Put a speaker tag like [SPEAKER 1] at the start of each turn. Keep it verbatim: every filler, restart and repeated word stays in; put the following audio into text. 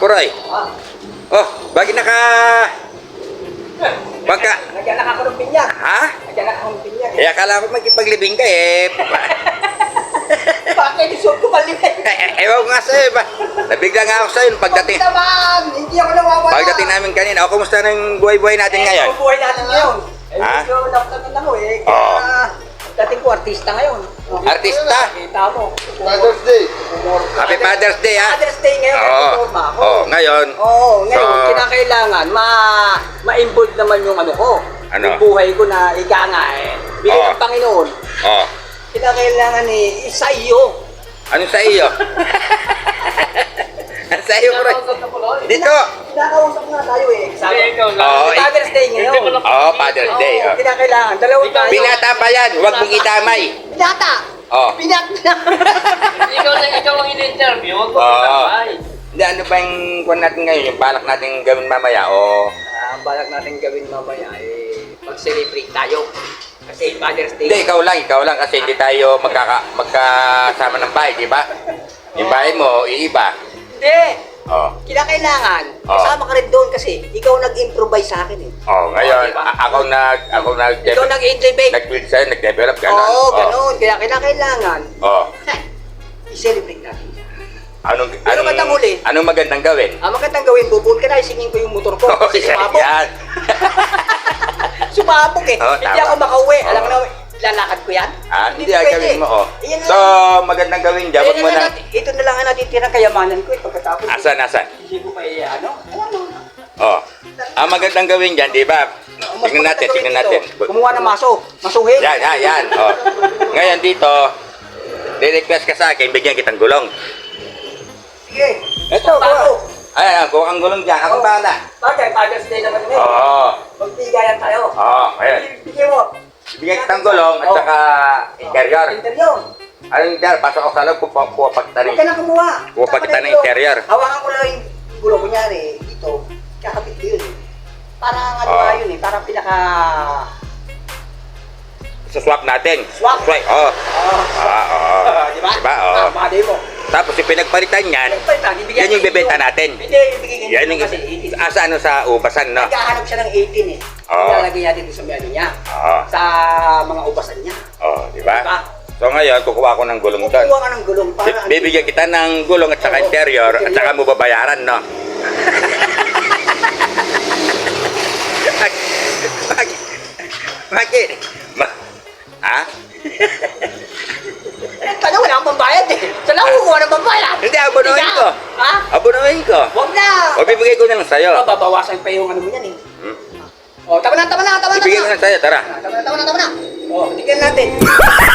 [SPEAKER 1] Kuroy.
[SPEAKER 2] Ah.
[SPEAKER 1] Oh, bakit naka... Baka...
[SPEAKER 2] Nagyanak ako ng pinya.
[SPEAKER 1] Ha?
[SPEAKER 2] Nagyanak ako ng pinya.
[SPEAKER 1] Eh, akala ko magkipaglibing ka eh.
[SPEAKER 2] Bakit isuot ko malibig?
[SPEAKER 1] Eh, ewan ko nga sa'yo ba? Nabigla nga ako sa'yo nung pagdating.
[SPEAKER 2] Huwag naman! Hindi ako nawawala.
[SPEAKER 1] Pagdating namin kanina, o kumusta ng buhay-buhay natin
[SPEAKER 2] Eh,
[SPEAKER 1] ngayon?
[SPEAKER 2] ang buhay natin ngayon. Eh,
[SPEAKER 1] Ha?
[SPEAKER 2] medyo napagdating ako eh.
[SPEAKER 1] Oo.
[SPEAKER 2] Kaya, dating ko artista ngayon.
[SPEAKER 1] Artista?
[SPEAKER 2] Kita mo.
[SPEAKER 3] Father's Day.
[SPEAKER 1] Happy Father's Day, ha?
[SPEAKER 2] Father's Day ngayon.
[SPEAKER 1] Oo.
[SPEAKER 2] Forma ako.
[SPEAKER 1] Oh, ngayon.
[SPEAKER 2] Oo, ngayon,
[SPEAKER 1] So-
[SPEAKER 2] kinakailangan ma ma-involve naman yung ano ko.
[SPEAKER 1] Ano?
[SPEAKER 2] Yung buhay ko na ika nga eh. Bigay
[SPEAKER 1] Oo.
[SPEAKER 2] ng Panginoon.
[SPEAKER 1] Oh,
[SPEAKER 2] Kinakailangan eh, isa iyo.
[SPEAKER 1] ano sa iyo? Ano sa iyo, Kuroy? Dito!
[SPEAKER 2] Kinakausap nga tayo eh. Sabi,
[SPEAKER 4] Hindi, ikaw lang.
[SPEAKER 1] Oo,
[SPEAKER 2] Father's Day ngayon.
[SPEAKER 1] oh, Father's Day.
[SPEAKER 2] Oo,
[SPEAKER 1] Oh.
[SPEAKER 2] kinakailangan. Dalawang tayo.
[SPEAKER 1] Binata pa yan, huwag mong itamay.
[SPEAKER 2] Binata!
[SPEAKER 1] Oh.
[SPEAKER 2] Binata!
[SPEAKER 4] Ikaw lang, ikaw ang in-interview. Huwag mo
[SPEAKER 1] Oo.
[SPEAKER 4] kasabay.
[SPEAKER 1] Hindi, ano ba yung kwan natin ngayon? Yung balak natin gawin mamaya, o...
[SPEAKER 2] Ah, ang balak natin gawin mamaya eh, mag-celebrate tayo. Kasi Father's Day.
[SPEAKER 1] Hindi, ikaw lang, ikaw lang kasi hindi tayo magkaka, magkasama ng bahay, di ba? Yung bahay mo, iiba.
[SPEAKER 2] Hindi!
[SPEAKER 1] Oh.
[SPEAKER 2] Kinakailangan.
[SPEAKER 1] Oo.
[SPEAKER 2] Kasama ka rin doon kasi ikaw nag-improvise sa akin eh.
[SPEAKER 1] Oh, ngayon,
[SPEAKER 2] Oo, diba?
[SPEAKER 1] a- ako nag, ako nag,
[SPEAKER 2] Ikaw nag-innovate.
[SPEAKER 1] nag-build sa'yo, nag-develop, gano'n.
[SPEAKER 2] Oo,
[SPEAKER 1] Oh.
[SPEAKER 2] ganun. Kaya kinakailangan,
[SPEAKER 1] Oh.
[SPEAKER 2] i-celebrate natin.
[SPEAKER 1] Anong,
[SPEAKER 2] Pero
[SPEAKER 1] anong,
[SPEAKER 2] magandang huli.
[SPEAKER 1] anong magandang gawin?
[SPEAKER 2] Ang magandang gawin, bubuon ka na, isingin ko yung motor ko.
[SPEAKER 1] Oh,
[SPEAKER 2] Kasi
[SPEAKER 1] yan,
[SPEAKER 2] sumabog.
[SPEAKER 1] yan.
[SPEAKER 2] Sumabog eh.
[SPEAKER 1] Oo,
[SPEAKER 2] Hindi
[SPEAKER 1] tama.
[SPEAKER 2] ako makauwi.
[SPEAKER 1] Oo.
[SPEAKER 2] Alam mo na, lalakad ko yan.
[SPEAKER 1] Ah, hindi ay
[SPEAKER 2] pwede.
[SPEAKER 1] gawin mo, oh.
[SPEAKER 2] Ayan na
[SPEAKER 1] So,
[SPEAKER 2] lang.
[SPEAKER 1] magandang gawin dyan,
[SPEAKER 2] Ayan
[SPEAKER 1] wag mo
[SPEAKER 2] na
[SPEAKER 1] na...
[SPEAKER 2] natin- Ito na lang ang natitirang kayamanan ko eh. Pagkatapos,
[SPEAKER 1] Asan, asan?
[SPEAKER 2] hindi ko pa eh, ano? Alam mo.
[SPEAKER 1] Oh. Ang magandang gawin dyan, di ba?
[SPEAKER 2] Mas
[SPEAKER 1] Tingnan natin,
[SPEAKER 2] magandang
[SPEAKER 1] tingnan
[SPEAKER 2] gawin
[SPEAKER 1] natin.
[SPEAKER 2] dito, Kumuha ng maso. Masuhin.
[SPEAKER 1] Yan, yan, yan. Oh. Ngayon dito, re-request ka sa akin, bigyan kitang gulong.
[SPEAKER 2] Sige.
[SPEAKER 1] Ito,
[SPEAKER 2] Bago.
[SPEAKER 1] Ayan, kung ang gulong dyan, akong bahala.
[SPEAKER 2] Bagay, Father's Day naman
[SPEAKER 1] Oo.
[SPEAKER 2] ngayon.
[SPEAKER 1] Oh.
[SPEAKER 2] Magbigayan tayo.
[SPEAKER 1] Oo, ayan.
[SPEAKER 2] Bigyan mo.
[SPEAKER 1] Bigyan kitang gulong at
[SPEAKER 2] Oo.
[SPEAKER 1] saka interior.
[SPEAKER 2] Interior.
[SPEAKER 1] Ano yung interior? Pasok ako sa loob, kuha kuha pa kita
[SPEAKER 2] Huwag
[SPEAKER 1] ng...
[SPEAKER 2] ka na kumuha.
[SPEAKER 1] Kuha pa kita ng
[SPEAKER 2] Dito.
[SPEAKER 1] interior.
[SPEAKER 2] Hawakan ko lang yung gulong. Kunyari, dito. Kakabit ko yun eh. Parang ano
[SPEAKER 1] Oo.
[SPEAKER 2] nga yun eh. Parang pinaka...
[SPEAKER 1] Suswap natin.
[SPEAKER 2] Swap.
[SPEAKER 1] Swipe, oo.
[SPEAKER 2] Oh,
[SPEAKER 1] Ah, oo.
[SPEAKER 2] di ba?
[SPEAKER 1] Diba? Oo.
[SPEAKER 2] Ah, bagay mo.
[SPEAKER 1] Tapos yung pinagpalitan yan,
[SPEAKER 2] Nagpalitan, ibigay
[SPEAKER 1] yan yung
[SPEAKER 2] natin
[SPEAKER 1] bebenta
[SPEAKER 2] ito.
[SPEAKER 1] natin.
[SPEAKER 2] Hindi, ibigay
[SPEAKER 1] Yan yung...
[SPEAKER 2] kasi eighteen.
[SPEAKER 1] Asa ano sa ubasan, no?
[SPEAKER 2] Nagkahanap siya ng eighteen eh.
[SPEAKER 1] Oo.
[SPEAKER 2] Ilalagay natin doon sa menu niya.
[SPEAKER 1] Oo.
[SPEAKER 2] Sa mga ubasan niya.
[SPEAKER 1] Oo, di ba?
[SPEAKER 2] Diba?
[SPEAKER 1] So ngayon, kukuha ako ng gulong doon.
[SPEAKER 2] Kukuha ka ng gulong para...
[SPEAKER 1] Bi- Bibigyan kita ng gulong at saka
[SPEAKER 2] Oo,
[SPEAKER 1] interior at
[SPEAKER 2] interior.
[SPEAKER 1] saka mo babayaran, no? Bakit? Bakit? Ma- ha?
[SPEAKER 2] Ano, wala akong pambayad eh. Saan ako kukuha ng pambayad?
[SPEAKER 1] Hindi, abunuhin ko.
[SPEAKER 2] Ha?
[SPEAKER 1] Abunuhin ko.
[SPEAKER 2] Huwag na.
[SPEAKER 1] O bibigay ko na lang sa'yo.
[SPEAKER 2] Oh, babawasan pa yung ano mo yan eh.
[SPEAKER 1] Hmm?
[SPEAKER 2] Oh, tama na, tama na, tama na.
[SPEAKER 1] Ibigay ko na sa'yo, tara.
[SPEAKER 2] Tama na, tama na, tama na. Oh, tignan natin.